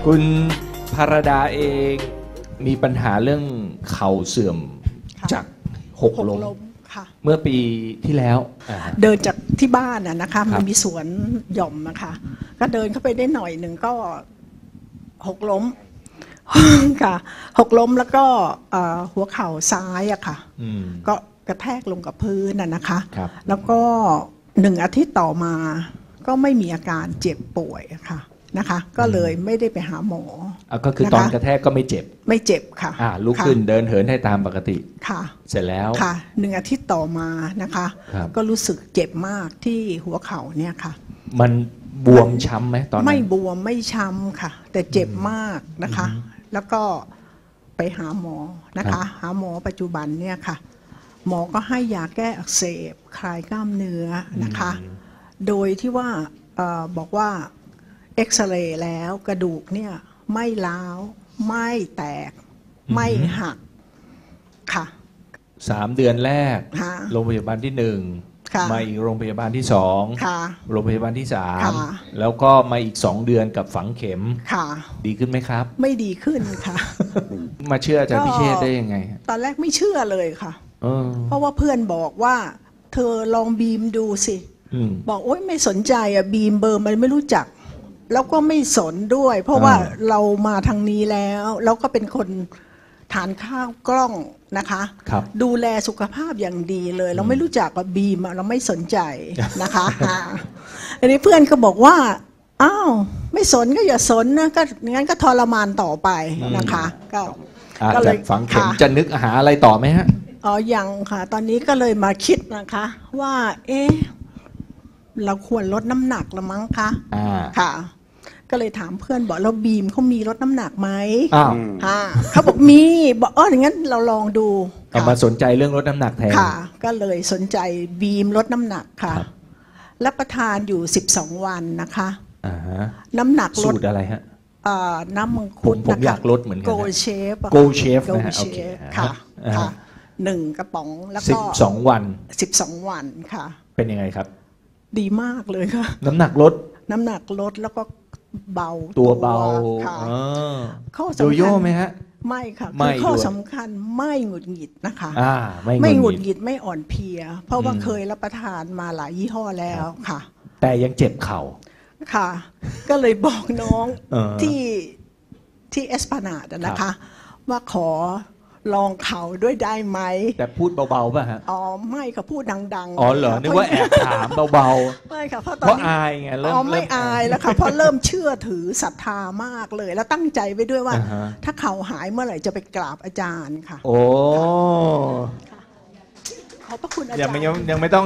คุณภรดาเองมีปัญหาเรื่องเข่าเสื่อมจากหกล้มเมื่อปีที่แล้วเดินจากที่บ้านนะคะมันมีสวนหย่อมนะคะก็เดินเข้าไปได้หน่อยหนึ่งก็หกล้มค่ะหกล้มแล้วก็หัวเข่าซ้ายอะค่ะก็กระแทกลงกับพื้นนะคะแล้วก็1 อาทิตย์ต่อมาก็ไม่มีอาการเจ็บป่วยค่ะนะคะก็เลยไม่ได้ไปหาหมอก็คือตอนกระแทกก็ไม่เจ็บค่ะลุกขึ้นเดินเหินให้ตามปกติค่ะเสร็จแล้วค่ะ1 อาทิตย์ต่อมานะคะก็รู้สึกเจ็บมากที่หัวเข่าเนี่ยค่ะมันบวมช้ำไหมตอนนั้นไม่บวมไม่ช้ำค่ะแต่เจ็บมากนะคะแล้วก็ไปหาหมอนะคะหาหมอปัจจุบันเนี่ยค่ะหมอก็ให้ยาแก้อักเสบคลายกล้ามเนื้อนะคะโดยที่ว่าบอกว่าเอ็กซเรย์แล้วกระดูกเนี่ยไม่ร้าวไม่แตกไม่หักค่ะ 3 เดือนแรกโรงพยาบาลที่1มาอีกโรงพยาบาลที่2โรงพยาบาลที่3แล้วก็มาอีก2 เดือนกับฝังเข็มดีขึ้นไหมครับไม่ดีขึ้นค่ะมาเชื่ออาจารย์พิเชษได้ยังไงตอนแรกไม่เชื่อเลยค่ะเพราะว่าเพื่อนบอกว่าเธอลองบีมดูสิบอกโอ๊ยไม่สนใจบีมเบอร์มันไม่รู้จักแล้วก็ไม่สนด้วยเพราะว่าเรามาทางนี้แล้วก็เป็นคนทานข้าวกล้องนะคะดูแลสุขภาพอย่างดีเลยเราไม่รู้จักกับบีมเราไม่สนใจนะคะอันนี้เพื่อนก็บอกว่าอ้าวไม่สนก็อย่าสนนะก็งั้นก็ทรมานต่อไปนะคะก็เลยฝังเข็มจะนึกหาอะไรต่อไหมฮะยังค่ะตอนนี้ก็เลยมาคิดนะคะว่าเราควรลดน้ำหนักละมั้งคะค่ะก็เลยถามเพื่อนบอกเราบีมเขามีลดน้ำหนักไหมเขาบอกมีบอกอย่างนั้นเราลองดูมาสนใจเรื่องลดน้ำหนักแทนค่ะก็เลยสนใจบีมลดน้ำหนักค่ะรับประทานอยู่12 วันนะคะน้ำหนักลดสูตรอะไรฮะน้ำมังคุดผมอยากลดเหมือนกันโกเชฟนะฮะโอเคค่ะ1 กระป๋องแล้วก็ 12 วัน 12 วันค่ะเป็นยังไงครับดีมากเลยค่ะน้ำหนักลดแล้วก็เบาตัวเบาข้อสำคัญโยโย่ไหมฮะไม่ค่ะคือข้อสำคัญไม่หงุดหงิดนะคะไม่หงุดหงิดไม่อ่อนเพลียเพราะว่าเคยรับประทานมาหลายยี่ห้อแล้วค่ะแต่ยังเจ็บเข่าค่ะก็เลยบอกน้องที่เอสพานาดนะคะว่าขอลองเข่าด้วยได้ไหมแต่พูดเบาๆป่ะฮะไม่ค่ะพูดดังๆเหรอนึกว่าแอบถามเบาๆไม่ค่ะเพราะตอนนี้อายไงเริ่มไม่อายแล้วค่ะเพราะเริ่มเชื่อถือศรัทธามากเลยแล้วตั้งใจไว้ด้วยว่าถ้าเข่าหายเมื่อไหร่จะไปกราบอาจารย์ค่ะโอ้ขอบพระคุณอาจารย์ยังไม่ต้อง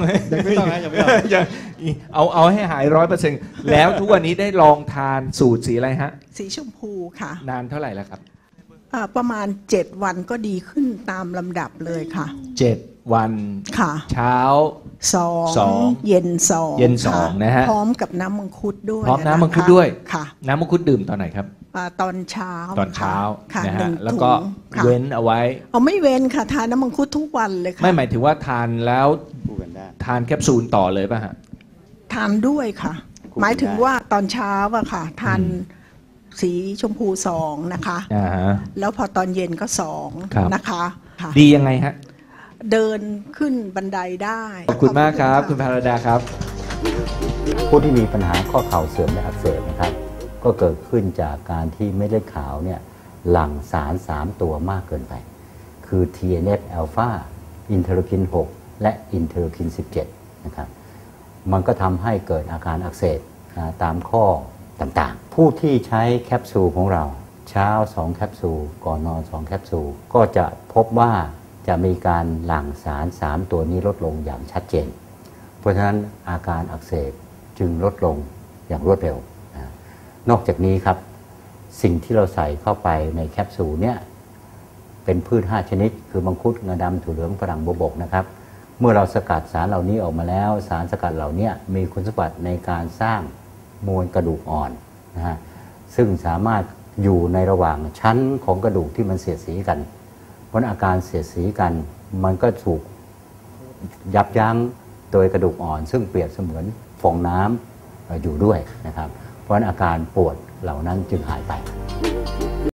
เอาให้หาย100%แล้วทุกวันนี้ได้ลองทานสูตรสีอะไรฮะสีชมพูค่ะนานเท่าไหร่แล้วครับประมาณ7 วันก็ดีขึ้นตามลำดับเลยค่ะ 7 วันค่ะเช้า2 เย็น2 นะฮะพร้อมกับน้ำมังคุดด้วยพร้อมน้ำมังคุดด้วยค่ะน้ำมังคุดดื่มตอนไหนครับตอนเช้านะฮะแล้วก็เว้นเอาไว้ไม่เว้นค่ะทานน้ำมังคุดทุกวันเลยค่ะไม่หมายถึงว่าทานแล้วทานแคปซูลต่อเลยป่ะฮะทานด้วยค่ะหมายถึงว่าตอนเช้าอะค่ะทานสีชมพู2นะคะแล้วพอตอนเย็นก็2นะคะดียังไงฮะเดินขึ้นบันไดได้ขอบคุณมากครับคุณภรดาครับผู้ที่มีปัญหาข้อเข่าเสื่อมและอักเสบนะครับก็เกิดขึ้นจากการที่เม็ดเลือดขาวเนี่ยหลั่งสาร3 ตัวมากเกินไปคือ TNF อ l p h a อินเทอร์คิน6และอินเทอร์คิน17นะครับมันก็ทำให้เกิดอาการอักเสบตามข้อต่างๆผู้ที่ใช้แคปซูลของเราเช้า2 แคปซูลก่อนนอน2 แคปซูลก็จะพบว่าจะมีการหลั่งสาร3 ตัวนี้ลดลงอย่างชัดเจนเพราะฉะนั้นอาการอักเสบจึงลดลงอย่างรวดเร็วนอกจากนี้ครับสิ่งที่เราใส่เข้าไปในแคปซูลเนี่ยเป็นพืช5 ชนิดคือมังคุดงาดำถั่วเหลืองฝรั่งบัวบกนะครับเมื่อเราสกัดสารเหล่านี้ออกมาแล้วสารสกัดเหล่านี้มีคุณสมบัติในการสร้างมวลกระดูกอ่อนนะฮะซึ่งสามารถอยู่ในระหว่างชั้นของกระดูกที่มันเสียดสีกันเพราะอาการเสียดสีกันมันก็ถูกยับยั้งโดยกระดูกอ่อนซึ่งเปรียบเสมือนฟองน้ำอยู่ด้วยนะครับเพราะอาการปวดเหล่านั้นจึงหายไป